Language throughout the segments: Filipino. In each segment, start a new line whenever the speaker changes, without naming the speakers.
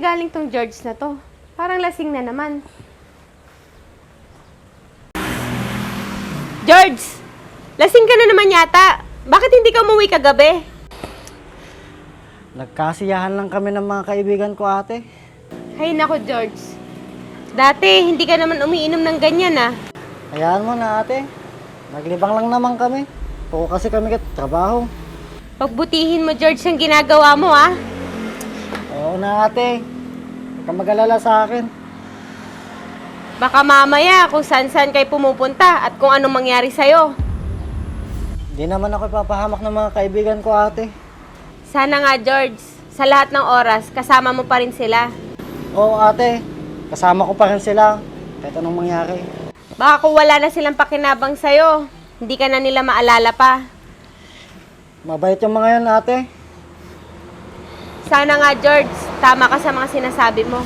galing tong George na to? Parang lasing na naman. George! Lasing ka na naman yata. Bakit hindi ka umuwi kagabi?
Nagkasiyahan lang kami ng mga kaibigan ko, ate.
Hay nako, George. Dati, hindi ka naman umiinom ng ganyan, ah.
Hayaan mo na, ate. Naglibang lang naman kami. Oo kasi kami trabaho.
Pagbutihin mo, George, ang ginagawa mo, ah.
Oo na, ate. Huwag ka mag-alala sa akin.
Baka mamaya kung saan-saan kayo pumupunta at kung anong mangyari sa'yo.
Hindi naman ako ipapahamak ng mga kaibigan ko, ate.
Sana nga, George, sa lahat ng oras, kasama mo pa rin sila.
Oo, ate. Kasama ko pa rin sila. Kahit anong mangyari.
Baka kung wala na silang pakinabang sa'yo, hindi ka na nila maalala pa.
Mabait yung mga yan, ate.
Sana nga, George, tama ka sa mga sinasabi mo.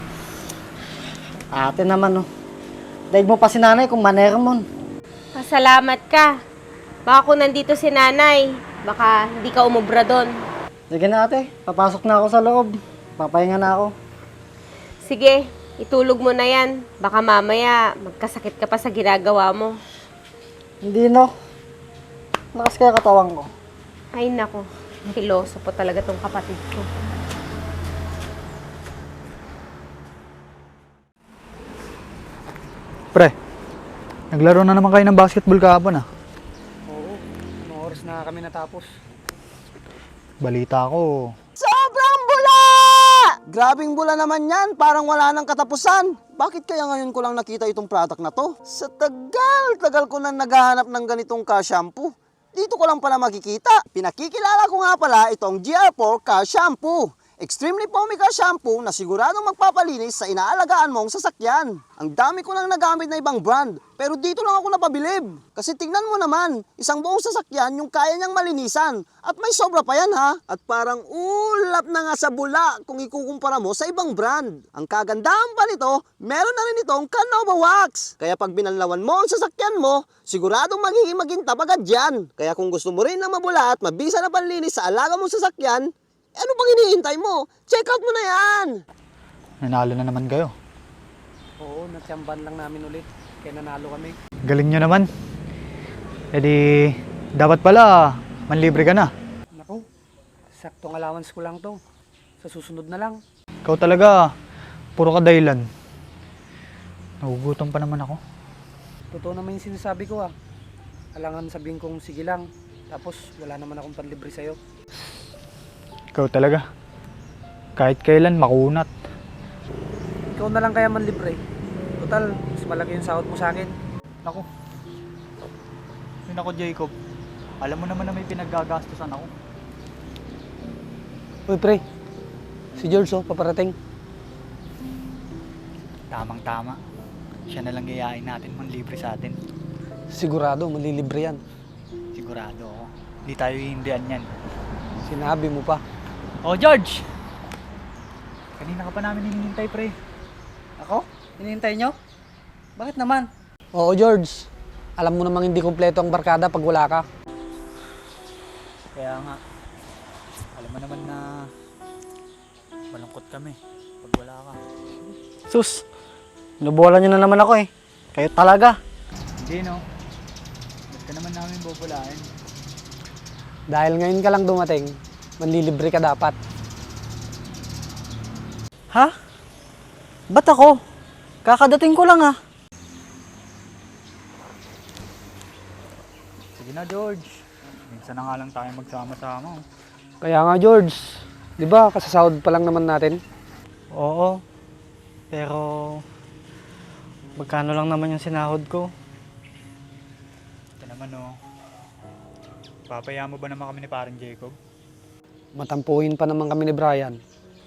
Ate naman, oh. Daig mo pa si nanay kung manera mo.
Pasalamat ka. Baka kung nandito si nanay, baka hindi ka umubra doon.
Sige na, ate. Papasok na ako sa loob. Papahinga na ako.
Sige, itulog mo na yan. Baka mamaya magkasakit ka pa sa ginagawa mo.
Hindi, no. Lakas kaya katawan ko.
Ay nako, piloso po talaga tong kapatid ko.
Pre, naglaro na naman kayo ng basketball kahapon ah.
Oo. Anong oras na kami natapos?
Balita ko,
Sobrang bula! Grabing bula naman yan, parang wala nang katapusan. Bakit kaya ngayon ko lang nakita itong product na to? Sa tagal ko na naghahanap ng ganitong ka-shampoo. Dito ko lang pala makikita. Pinakikilala ko nga pala itong GR4 ka-shampoo. Extremely foamy ka shampoo na siguradong magpapalinis sa inaalagaan mong sasakyan. Ang dami ko nang nagamit na ibang brand, pero dito lang ako napabilib. Kasi tignan mo naman, isang buong sasakyan yung kaya niyang malinisan. At may sobra pa yan ha. At parang ulap na nga sa bula kung ikukumpara mo sa ibang brand. Ang kagandahan pa nito, meron na rin itong Canova Wax. Kaya pag binanlawan mo ang sasakyan mo, siguradong magiging magintab agad yan. Kaya kung gusto mo rin na mabula at mabisa na panlinis sa alaga mong sasakyan, ano bang hinihintay mo? Check out mo na yan!
nanalo na naman kayo.
Oo, natsamban lang namin ulit. Kaya nanalo kami.
Galing nyo naman. E di, dapat pala, manlibre ka na.
Naku, saktong allowance ko lang to. Sa susunod na lang.
Ikaw talaga, puro ka dahilan. Nagugutom pa naman ako.
Totoo naman yung sinasabi ko ah. Alangan sabihin kong sige lang. Tapos wala naman akong panlibre sa'yo.
Ikaw talaga. Kahit kailan, makunat.
Ikaw na lang kaya manlibre. Total, mas malaki yung sahod mo sa akin.
Naku. Yun ako, Jacob. Alam mo naman na may pinaggagastusan ako.
Uy pre, si George oh, paparating.
Tamang-tama. Siya na lang gayain natin manlibre sa atin.
Sigurado, malilibre yan.
Sigurado ako. Hindi tayo hihindihan yan.
Sinabi mo pa.
Oh, George! Kanina ka pa namin hinihintay, pre.
Ako? Hinihintay nyo? Bakit naman?
Oo George, alam mo namang hindi kumpleto ang barkada pag wala ka.
Kaya nga, alam mo naman na malungkot kami pag wala ka.
Sus, nabola nyo na naman ako eh. Kayo talaga.
Hindi, no? Ba't ka naman namin bubulain?
Dahil ngayon ka lang dumating, manlilibre ka dapat.
Ha? Ba't ako? Kakadating ko lang ah.
Sige na, George. Minsan na nga lang tayo magsama-sama. Oh.
Kaya nga George, di ba kasasahod pa lang naman natin?
Oo. Pero, magkano lang naman yung sinahod ko?
Ito naman, oh. Papaya mo ba naman kami ni parang Jacob?
Matampuhin pa naman kami ni Brian.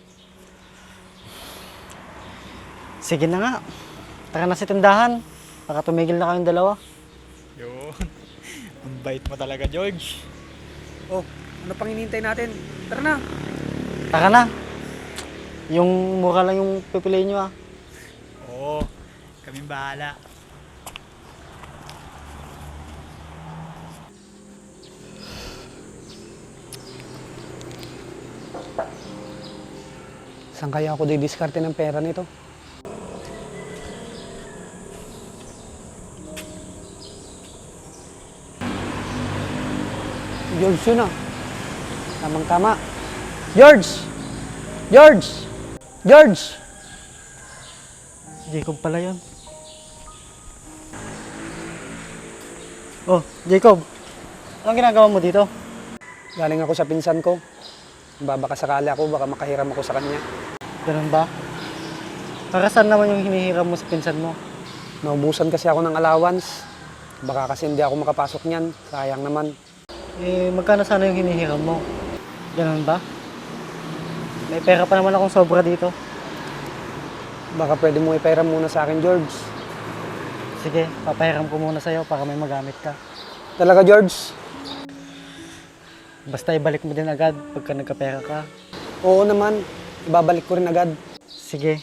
Sige na nga. Tara na sa tindahan. Baka tumigil na kayong dalawa.
Yun. Ang bait mo talaga, George.
Oh, ano pang hinihintay natin? Tara na. Tara na. Yung mura lang yung pipiliin nyo ah.
Oo. Kaming bahala.
Saan kaya ako didiskarte ng pera nito? George yun ah. Tamang-tama. George! George! George!
Jacob pala yun. Oh, Jacob. Anong ginagawa mo dito?
Galing ako sa pinsan ko. Baka sakali ako, baka makahiram ako sa kanya.
Ganun ba? Para saan naman yung hinihiram mo sa pinsan mo?
Naubusan kasi ako ng allowance. Baka kasi hindi ako makapasok niyan. Sayang naman.
Eh, magkano sana yung hinihiram mo? Ganun ba? May pera pa naman akong sobra dito.
Baka pwede mo ipairam muna sa akin, George.
Sige, papahiram ko muna sa'yo para may magamit ka.
Talaga, George?
Basta ibalik mo din agad pagka nagkapera ka.
Oo naman. Ibabalik ko rin agad.
Sige.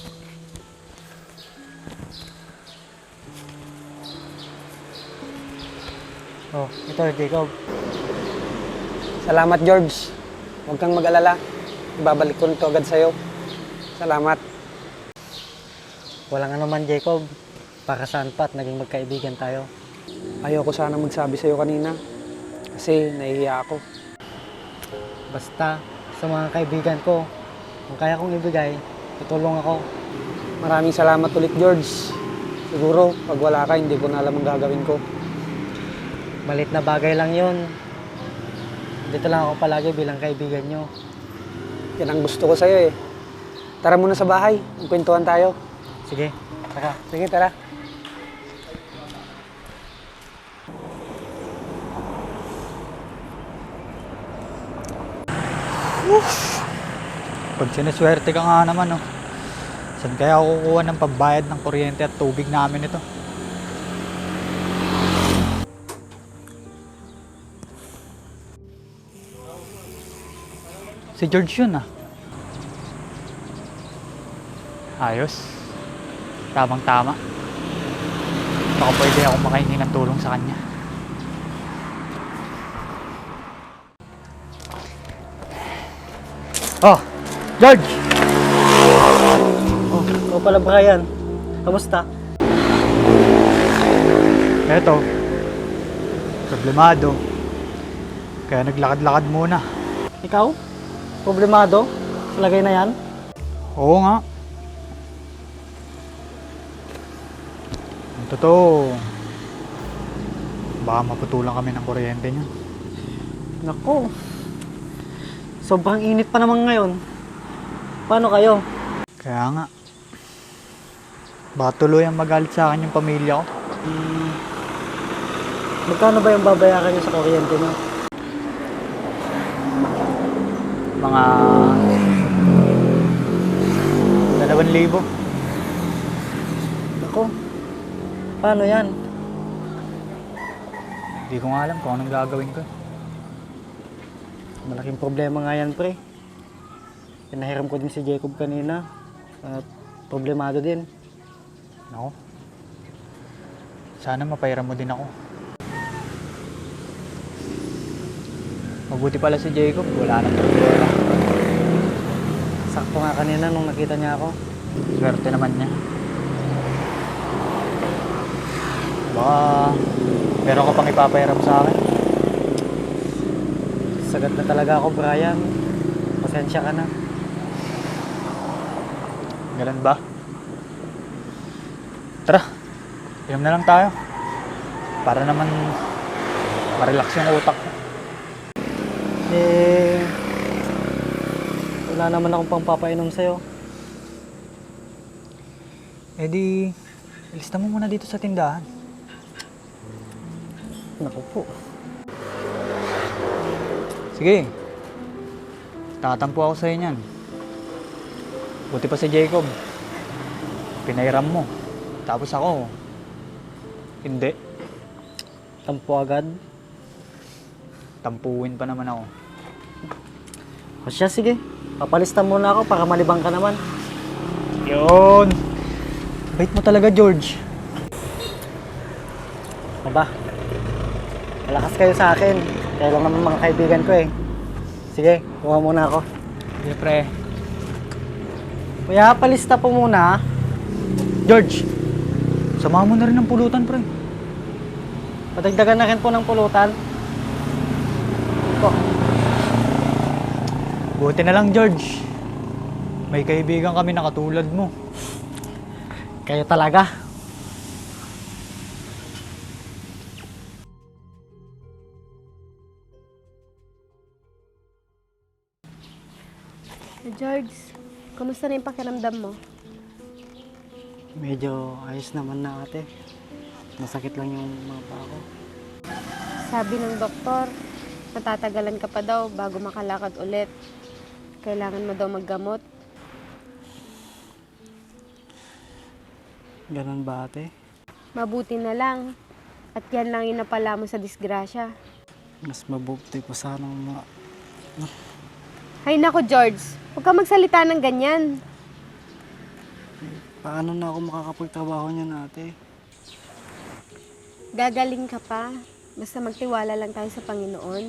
Oh, ito Jacob.
Salamat, George. Huwag kang mag-alala. Ibabalik ko rin ito agad sa'yo. Salamat.
Walang anuman Jacob. Para saan pa at naging magkaibigan tayo.
Ayoko sana magsabi sa'yo kanina. Kasi nahihiya ako.
Basta sa mga kaibigan ko, kung kaya kong ibigay, tutulong ako.
Maraming salamat ulit, George. Siguro, pag wala ka, hindi ko na alam ang gagawin ko.
Malit na bagay lang yun. Dito lang ako palagi bilang kaibigan nyo.
Yan ang gusto ko sa'yo eh. Tara muna sa bahay. Magkwentuhan tayo.
Sige, tara.
Sige, tara.
Pag sinaswerte ka nga naman, oh. Saan kaya ako kukuha ng pambayad ng kuryente at tubig namin ito? Si George yun, ah. Ayos. Tamang-tama. Baka pwede ako makahingi ng tulong sa kanya.
Oh, George! Oh, ikaw pala Brian. Kamusta?
Eto, problemado. Kaya naglakad-lakad muna.
Ikaw? Problemado? Sa lagay na yan?
Oo nga. Ang totoo, baka maputulan kami ng kuryente niya.
Naku. Sobrang init pa naman ngayon. Paano kayo?
Kaya nga, baka tuloy ang magalit sa akin yung pamilya ko.
Magkano ba yung babayaran niyo sa kuryente niyo?
Mga 2,000.
Naku. Paano yan?
Hindi ko nga alam kung anong gagawin ko.
Malaking problema nga yan, pre. Pinahiram ko din si Jacob kanina. At problemado din.
Ako, sana mapairam mo din ako. Mabuti pala si Jacob, wala nang problema.
Sakto nga kanina nung nakita niya ako.
Swerte naman niya. Baka meron ka pang ipapairam sa akin.
Sagat na talaga ako, Brian. Pasensya ka na.
Ganun ba? Tara, inom na lang tayo. Para naman ma-relax yung utak ko.
Eh, wala naman akong pangpapainom sa'yo.
Eh di, ilista mo muna dito sa tindahan.
Naku po.
Sige, tatampo ako sa'yo niyan. Buti pa si Jacob. Pinairam mo. Tapos ako, hindi.
Tampo agad.
Tampuin pa naman ako.
O siya, sige. Papalista muna ako para malibang ka naman.
Yun! Bait mo talaga, George.
Aba, malakas kayo sa akin. Kaya lang naman mga kaibigan ko eh. Sige, kuha muna ako.
Sige, pre.
Kuya, palista po muna.
George, samahan mo na rin ng pulutan, pre.
Padagdagan na rin po ng pulutan. Po.
Buti na lang, George. May kaibigan kami na katulad mo.
Kayo talaga.
George, kumusta na yung pakiramdam mo?
Medyo ayos naman na ate. Masakit lang yung mga paa ko.
Sabi ng doktor, matatagalan ka pa daw bago makalakad ulit. Kailangan mo daw maggamot.
Ganun ba ate?
Mabuti na lang. At yan lang yung napala mo sa disgrasya.
Mas mabuti po sana
Hay nako, George. Huwag ka magsalita ng ganyan.
paano na ako makakapagtrabaho niyan ate?
Gagaling ka pa. Basta magtiwala lang tayo sa Panginoon.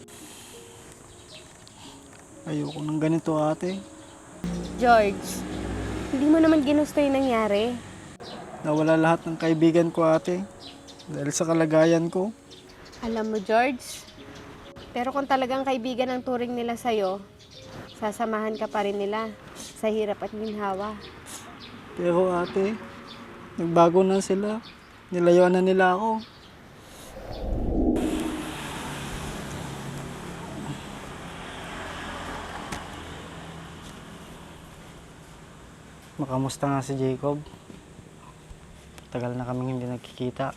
Ayoko ng ganito ate.
George, hindi mo naman ginusto yung nangyari.
Nawala lahat ng kaibigan ko ate. Dahil sa kalagayan ko.
Alam mo, George, pero kung talagang kaibigan ang turing nila sa'yo, sasamahan ka pa rin nila sa hirap at ginhawa.
Pero ate, nagbago na sila. Nilayuan na nila ako. Makamusta nga si Jacob? Tagal na kaming hindi nagkikita.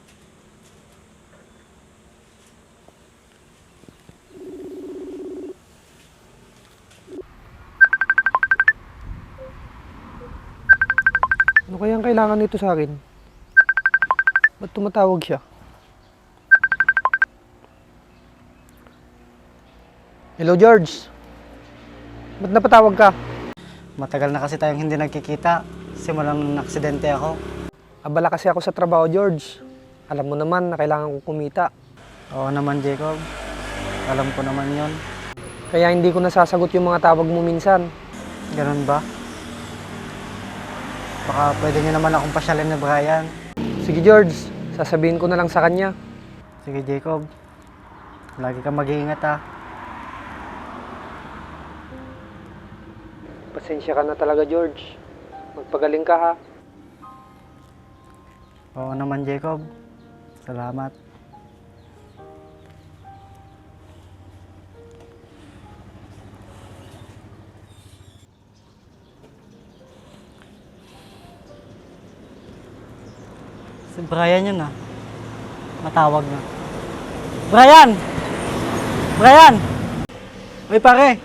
Ano kaya ang kailangan nito sa akin? Ba't tumatawag siya? Hello, George. Ba't napatawag ka?
Matagal na kasi tayong hindi nagkikita. Simulang nung aksidente ako.
Abala kasi ako sa trabaho, George. Alam mo naman na kailangan ko kumita.
Oo naman, Jacob. Alam ko naman yon.
Kaya hindi ko nasasagot yung mga tawag mo minsan.
Ganun ba? Baka pwede niyo naman akong pasyalin ni Brian.
Sige, George. Sasabihin ko na lang sa kanya.
Sige, Jacob. Lagi kang mag-iingat ha.
Pasensya ka na talaga, George. Magpagaling ka, ha?
Oo naman, Jacob. Salamat. Si Brian yun ah. Matawag na. Brian! Brian! Uy pare!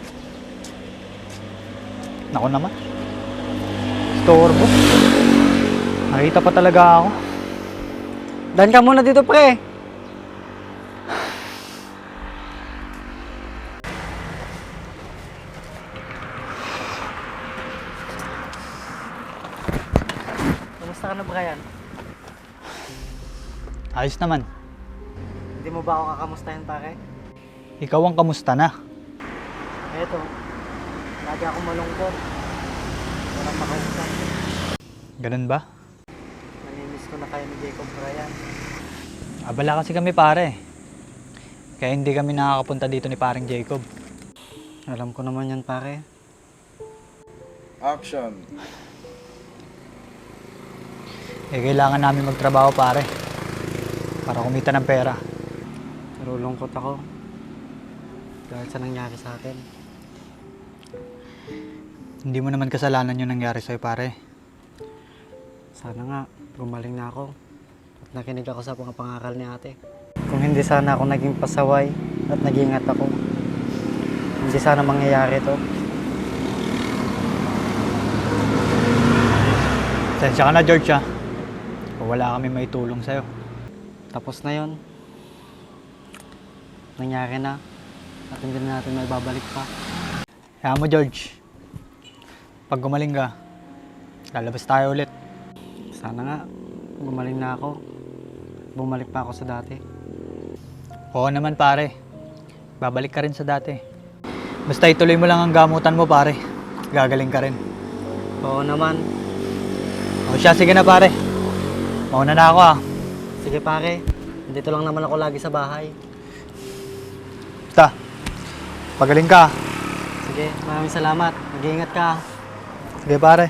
Nako naman. Storbo. Nakita pa talaga ako.
Dan ka muna dito pre! Kamusta ka na Brian?
Ayos naman.
Hindi mo ba ako kakamustahin pare?
Ikaw ang kamusta na?
Eto, lagi akong malungkot. Walang makausap.
Ganun ba?
Nanimiss ko na kayo ni Jacob Brian.
Abala kasi kami pare. Kaya hindi kami nakakapunta dito ni paring Jacob.
Alam ko naman yan pare.
Action.
Kailangan namin magtrabaho pare. Para kumita ng pera.
Nalulungkot ako. Dahil sa nangyari sa akin.
Hindi mo naman kasalanan yung nangyari sa'yo pare.
Sana nga, gumaling na ako. At nakinig ako sa mga pangaral ni ate. Kung hindi sana ako naging pasaway at nag-ingat ako, hindi sana mangyayari to.
Sensya ka na George ha. Kung wala kami may tulong sa'yo.
Tapos na yon. Nangyari na. At hindi na natin may babalik pa.
Kaya mo George. Pag gumaling ka, lalabas tayo ulit.
Sana nga, gumaling na ako. Bumalik pa ako sa dati.
Oo naman pare. Babalik ka rin sa dati. Basta ituloy mo lang ang gamutan mo pare. Gagaling ka rin.
Oo naman.
O siya, sige na pare. Mauna na ako ah.
Sige pare, dito lang naman ako lagi sa bahay.
Basta, pagaling ka.
Sige, maraming salamat. Mag-iingat ka.
Sige pare.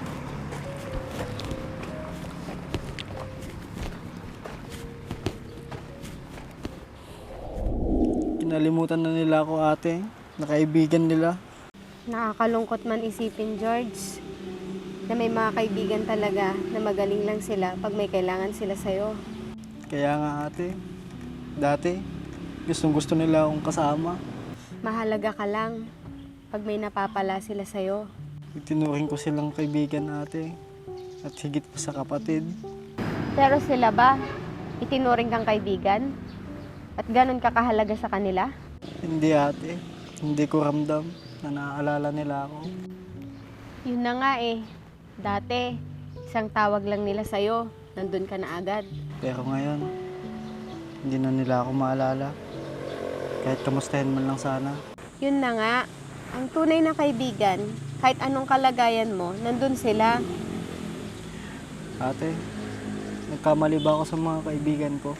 Kinalimutan na nila ako ate, na kaibigan nila.
Nakakalungkot man isipin, George, na may mga kaibigan talaga na magaling lang sila pag may kailangan sila sa'yo.
Kaya nga ate, dati gustong gusto nila akong kasama.
Mahalaga ka lang pag may napapala sila sa'yo.
Itinuring ko silang kaibigan ate, at higit pa sa kapatid.
Pero sila ba, itinuring kang kaibigan? At ganun ka kahalaga sa kanila?
Hindi ate, hindi ko ramdam na naaalala nila ako.
Yun na nga eh. Dati, isang tawag lang nila sa'yo, nandun ka na agad.
Pero ngayon, hindi na nila ako maalala. Kahit kamustahin man lang sana.
Yun na nga, ang tunay na kaibigan, kahit anong kalagayan mo, nandun sila.
Ate, nagkamali ba ako sa mga kaibigan ko?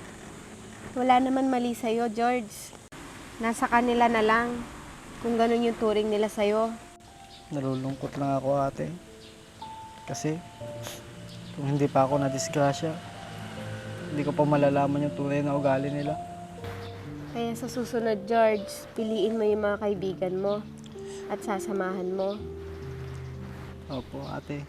Wala naman mali sa'yo, George. Nasa kanila na lang kung ganun yung turing nila sa'yo.
Nalulungkot lang ako ate. Kasi, kung hindi pa ako na-disgrasya, hindi ko pa malalaman yung tunay na ugali nila.
Kaya sa susunod, George, piliin mo yung mga kaibigan mo at sasamahan mo.
Opo ate,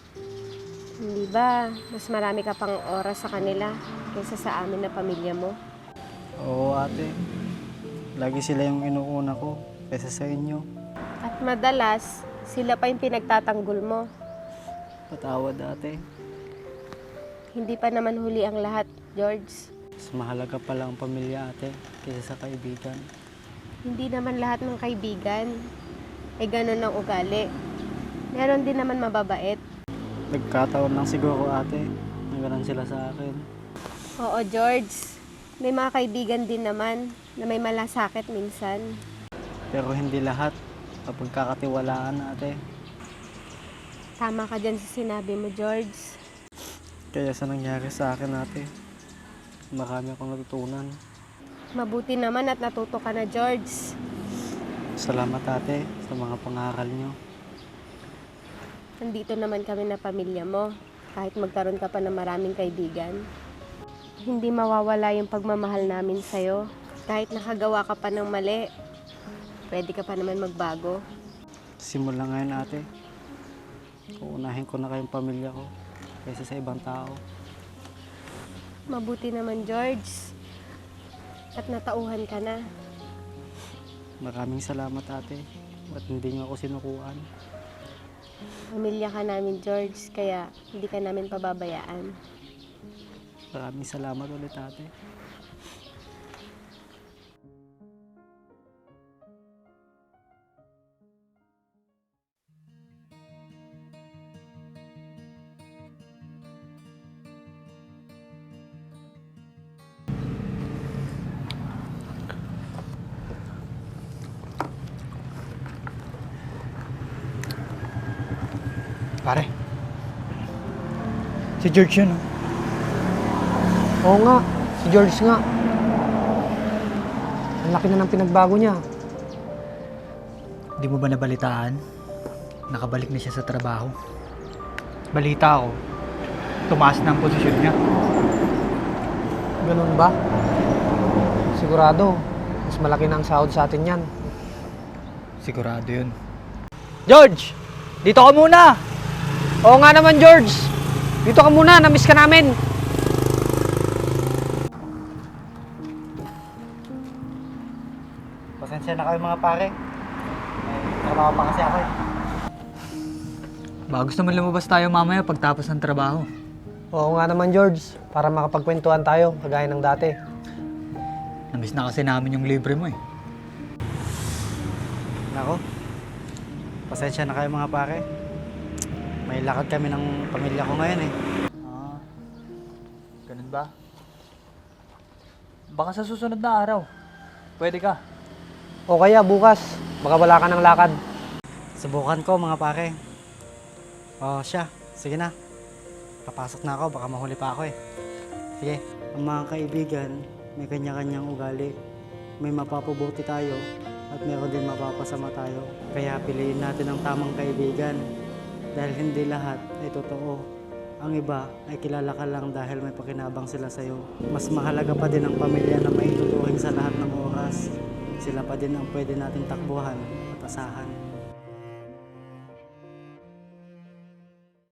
Hindi ba, mas marami ka pang oras sa kanila kaysa sa amin na pamilya mo?
oo ate. Lagi sila yung inuuna ko kaysa sa inyo.
At madalas, sila pa yung pinagtatanggol mo.
Patawad ate.
Hindi pa naman huli ang lahat, George.
Mas mahalaga pala ang pamilya ate kaysa sa kaibigan.
Hindi naman lahat ng kaibigan ay ganun ang ugali. Meron din naman mababait.
Nagkataon lang siguro ate na ganun sila sa akin.
Oo, George. May mga kaibigan din naman na may malasakit minsan.
Pero hindi lahat kapag kakatiwalaan ate.
Tama ka dyan sa sinabi mo, George.
Kaya sa nangyari sa akin ate, marami akong natutunan.
Mabuti naman at natuto ka na, George.
Salamat ate sa mga pangaral nyo.
Nandito naman kami na pamilya mo. Kahit magkaroon ka pa ng maraming kaibigan. Hindi mawawala yung pagmamahal namin sa'yo. Kahit nakagawa ka pa ng mali, pwede ka pa naman magbago.
Simula ngayon ate, uunahin ko na kayong pamilya ko kaysa sa ibang tao.
Mabuti naman, George. At natauhan ka na.
Maraming salamat ate at hindi nyo ako sinukuan.
Pamilya ka namin, George, kaya hindi ka namin pababayaan.
Maraming salamat ulit ate.
Pare. Si George yun oh.
Oo nga, si George nga. Ang laki na ng pinagbago niya.
Di mo ba nabalitaan? Nakabalik na siya sa trabaho. Balita ako, tumaas na ang posisyon niya.
Ganun ba? Sigurado, mas malaki na ang sahod sa atin yan.
Sigurado yun. George! Dito ka muna!
Oo nga naman, George. Dito ka muna, na-miss ka namin.
Pasensya na kayo mga pare. Trabaho pa kasi ako eh.
Baka gusto mo lumabas tayo mamaya pagtapos ng trabaho.
Oo nga naman, George. Para makapagkwentuhan tayo, kagaya ng dati.
Namiss na kasi namin yung libre mo eh.
Nako, pasensya na kayo mga pare. May lakad kami ng pamilya ko ngayon eh.
Ah, ganun ba? Baka sa susunod na araw, pwede ka.
O kaya bukas, baka wala ka ng lakad.
Subukan ko mga pare. Oh, siya. Sige na. Papasok na ako, baka mahuli pa ako eh. Sige. Ang mga kaibigan, may kanya-kanyang ugali. May mapapabuti tayo at meron din mapapasama tayo. Kaya piliin natin ang tamang kaibigan. Dahil hindi lahat ay totoo. Ang iba ay kilala ka lang dahil may pakinabang sila sa'yo. Mas mahalaga pa din ang pamilya na maituturing sa lahat ng oras. Sila pa din ang pwede nating takbuhan at asahan.